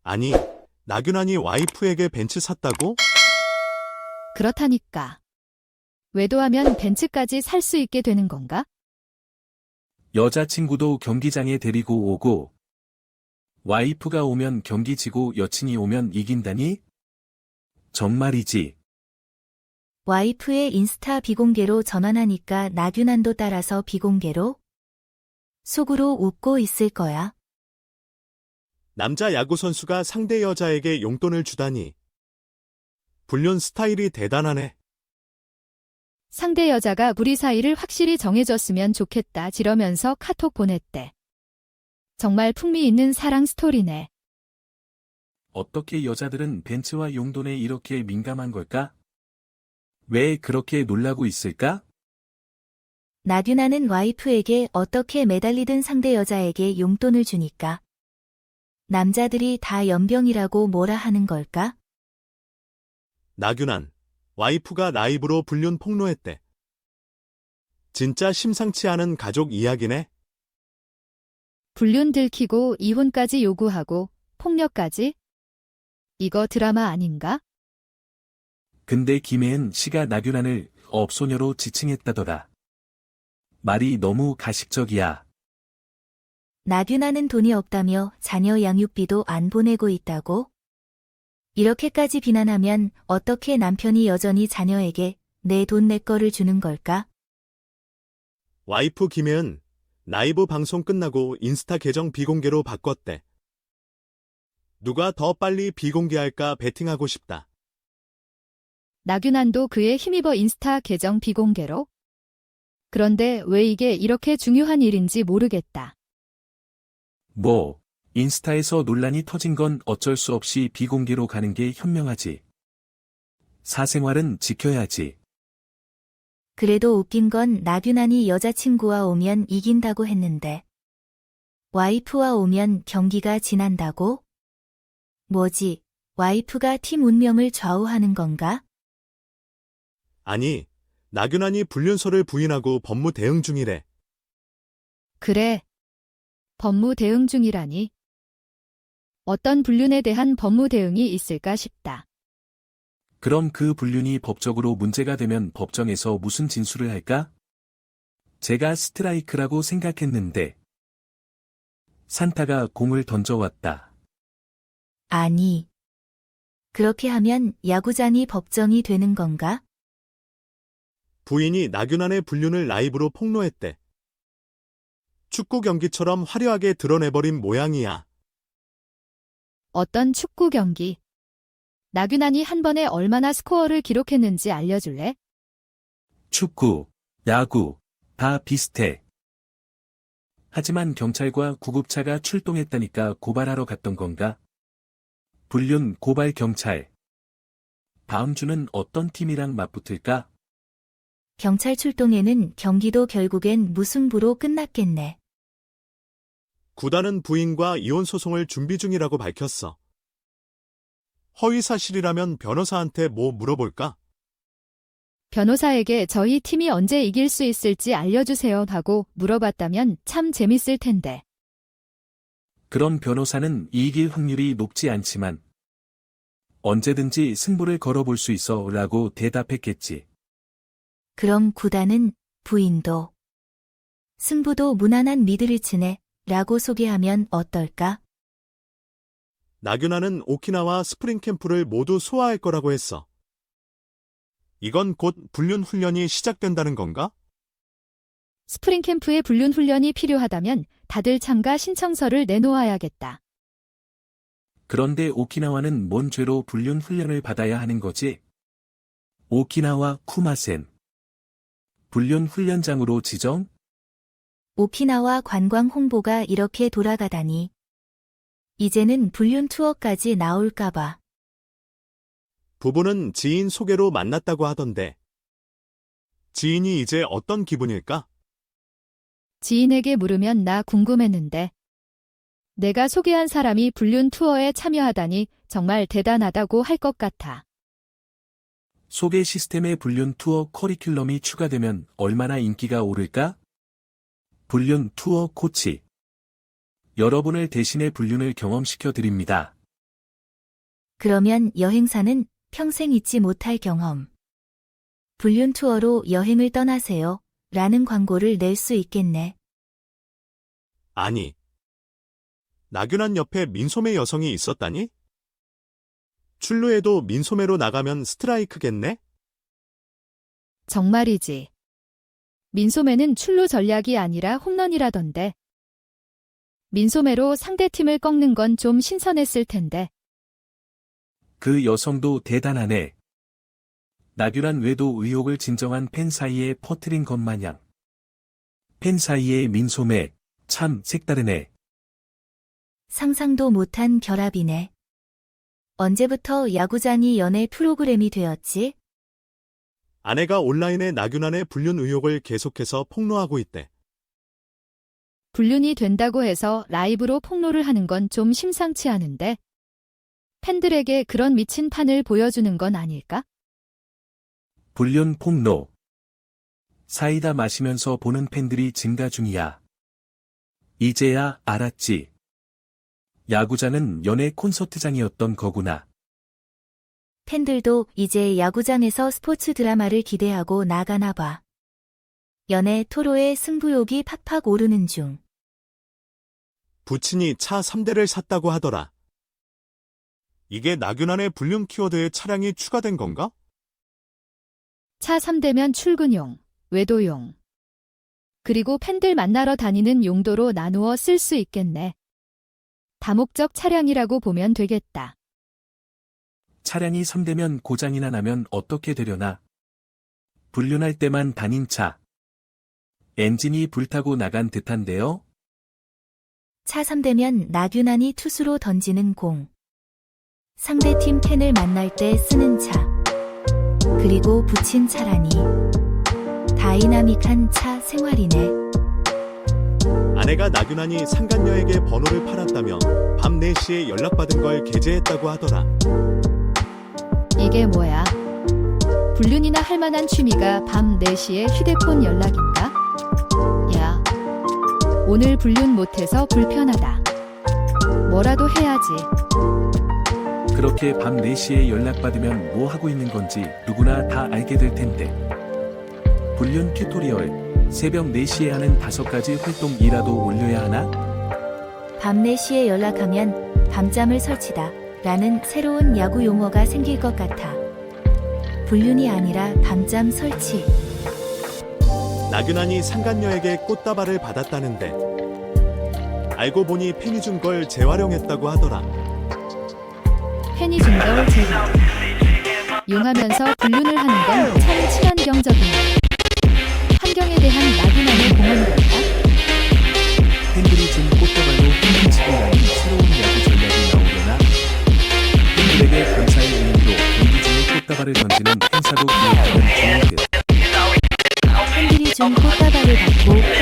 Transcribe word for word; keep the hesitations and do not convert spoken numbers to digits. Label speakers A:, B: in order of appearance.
A: 아니, 나균환이 와이프에게 벤츠 샀다고?
B: 그렇다니까. 외도하면 벤츠까지 살 수 있게 되는 건가?
C: 여자친구도 경기장에 데리고 오고, 와이프가 오면 경기 지고 여친이 오면 이긴다니? 정말이지.
D: 와이프의 인스타 비공개로 전환하니까 나균환도 따라서 비공개로? 속으로 웃고 있을 거야.
A: 남자 야구선수가 상대 여자에게 용돈을 주다니. 불륜 스타일이 대단하네.
B: 상대 여자가 우리 사이를 확실히 정해줬으면 좋겠다 지러면서 카톡 보냈대. 정말 풍미 있는 사랑 스토리네.
C: 어떻게 여자들은 벤츠와 용돈에 이렇게 민감한 걸까? 왜 그렇게 놀라고 있을까?
D: 나균환은 와이프에게 어떻게 매달리든 상대 여자에게 용돈을 주니까. 남자들이 다 연병이라고 뭐라 하는 걸까?
A: 나균환, 와이프가 라이브로 불륜 폭로했대. 진짜 심상치 않은 가족 이야기네.
B: 불륜 들키고 이혼까지 요구하고 폭력까지? 이거 드라마 아닌가?
C: 근데 김혜은 씨가 나균환을 업소녀로 지칭했다더라. 말이 너무 가식적이야.
D: 나균환은 돈이 없다며 자녀 양육비도 안 보내고 있다고? 이렇게까지 비난하면 어떻게 남편이 여전히 자녀에게 내 돈 내 거를 주는 걸까?
A: 와이프 김혜은, 라이브 방송 끝나고 인스타 계정 비공개로 바꿨대. 누가 더 빨리 비공개할까 베팅하고 싶다.
B: 나균환도 그에 힘입어 인스타 계정 비공개로? 그런데 왜 이게 이렇게 중요한 일인지 모르겠다.
C: 뭐, 인스타에서 논란이 터진 건 어쩔 수 없이 비공개로 가는 게 현명하지. 사생활은 지켜야지.
D: 그래도 웃긴 건 나균환이 여자친구와 오면 이긴다고 했는데. 와이프와 오면 경기가 지난다고? 뭐지, 와이프가 팀 운명을 좌우하는 건가?
A: 아니, 나균환이 불륜설을 부인하고 법무 대응 중이래.
B: 그래. 법무 대응 중이라니. 어떤 불륜에 대한 법무 대응이 있을까 싶다.
C: 그럼 그 불륜이 법적으로 문제가 되면 법정에서 무슨 진술을 할까? 제가 스트라이크라고 생각했는데. 산타가 공을 던져왔다.
D: 아니. 그렇게 하면 야구장이 법정이 되는 건가?
A: 부인이 나균환의 불륜을 라이브로 폭로했대. 축구 경기처럼 화려하게 드러내버린 모양이야.
B: 어떤 축구 경기. 나균환이 한 번에 얼마나 스코어를 기록했는지 알려줄래?
C: 축구, 야구, 다 비슷해. 하지만 경찰과 구급차가 출동했다니까 고발하러 갔던 건가? 불륜 고발 경찰. 다음 주는 어떤 팀이랑 맞붙을까?
D: 경찰 출동에는 경기도 결국엔 무승부로 끝났겠네.
A: 구단은 부인과 이혼 소송을 준비 중이라고 밝혔어. 허위 사실이라면 변호사한테 뭐 물어볼까?
B: 변호사에게 저희 팀이 언제 이길 수 있을지 알려주세요 하고 물어봤다면 참 재밌을 텐데.
C: 그런 변호사는 이길 확률이 높지 않지만 언제든지 승부를 걸어볼 수 있어 라고 대답했겠지.
D: 그럼 구단은 부인도 승부도 무난한 미드리츠네 라고 소개하면 어떨까?
A: 나균환은 오키나와 스프링 캠프를 모두 소화할 거라고 했어. 이건 곧 불륜 훈련이 시작된다는 건가?
B: 스프링 캠프에 불륜 훈련이 필요하다면 다들 참가 신청서를 내놓아야겠다.
C: 그런데 오키나와는 뭔 죄로 불륜 훈련을 받아야 하는 거지? 오키나와 쿠마센. 불륜 훈련장으로 지정?
D: 오키나와 관광 홍보가 이렇게 돌아가다니. 이제는 불륜 투어까지 나올까봐.
A: 부부는 지인 소개로 만났다고 하던데. 지인이 이제 어떤 기분일까?
B: 지인에게 물으면 나 궁금했는데. 내가 소개한 사람이 불륜 투어에 참여하다니 정말 대단하다고 할 것 같아.
C: 소개 시스템에 불륜 투어 커리큘럼이 추가되면 얼마나 인기가 오를까? 불륜 투어 코치. 여러분을 대신해 불륜을 경험시켜 드립니다.
D: 그러면 여행사는 평생 잊지 못할 경험. 불륜 투어로 여행을 떠나세요. 라는 광고를 낼 수 있겠네.
A: 아니. 나균환 옆에 민소매 여성이 있었다니? 출루에도 민소매로 나가면 스트라이크겠네?
B: 정말이지. 민소매는 출루 전략이 아니라 홈런이라던데. 민소매로 상대팀을 꺾는 건 좀 신선했을 텐데.
C: 그 여성도 대단하네. 나균환 외도 의혹을 진정한 팬 사이에 퍼뜨린 것 마냥. 팬 사이의 민소매, 참 색다르네.
D: 상상도 못한 결합이네. 언제부터 야구장이 연애 프로그램이 되었지?
A: 아내가 온라인에 나균환의 불륜 의혹을 계속해서 폭로하고 있대.
B: 불륜이 된다고 해서 라이브로 폭로를 하는 건 좀 심상치 않은데. 팬들에게 그런 미친 판을 보여주는 건 아닐까?
C: 불륜 폭로. 사이다 마시면서 보는 팬들이 증가 중이야. 이제야 알았지. 야구장은 연애 콘서트장이었던 거구나.
D: 팬들도 이제 야구장에서 스포츠 드라마를 기대하고 나가나 봐. 연애 토로의 승부욕이 팍팍 오르는 중.
A: 부친이 차 삼 대를 샀다고 하더라. 이게 나균환의 불륜 키워드에 차량이 추가된 건가?
B: 차 삼 대면 출근용, 외도용. 그리고 팬들 만나러 다니는 용도로 나누어 쓸 수 있겠네. 다목적 차량이라고 보면 되겠다.
C: 차량이 삼 대면 고장이나 나면 어떻게 되려나? 불륜할 때만 다닌 차. 엔진이 불타고 나간 듯한데요?
D: 차 삼 대면 나균환이 투수로 던지는 공. 상대팀 팬을 만날 때 쓰는 차. 그리고 붙인 차라니. 다이나믹한 차 생활이네.
A: 아내가 나균환이 상간녀에게 번호를 팔았다며 밤 네 시에 연락받은 걸 게재했다고 하더라.
B: 이게 뭐야? 불륜이나 할 만한 취미가 밤 네 시에 휴대폰 연락인가? 야, 오늘 불륜 못해서 불편하다. 뭐라도 해야지.
C: 그렇게 밤 네 시에 연락받으면 뭐 하고 있는 건지 누구나 다 알게 될 텐데. 불륜 튜토리얼, 새벽 네 시에 하는 다섯 가지 활동이라도 올려야 하나?
D: 밤 네 시에 연락하면 밤잠을 설치다 라는 새로운 야구 용어가 생길 것 같아. 불륜이 아니라 밤잠 설치.
A: 나균환이 상간녀에게 꽃다발을 받았다는데 알고 보니 팬이 준 걸 재활용했다고 하더라.
B: 팬이 준 걸 제가 용하면서 불륜을 하는 건 참 친환경적이네. 환경에 대한 나균환의 공헌이랄까?
C: 팬들이 준 꽃다발로 팬미치고 나는 새로운 야구 전략이 나오려나? 팬들에게 감사의 의미로 경기 중에 꽃다발을 던지는 행사도 기획하는 중인데.
D: 팬들이 준 꽃다발을 받고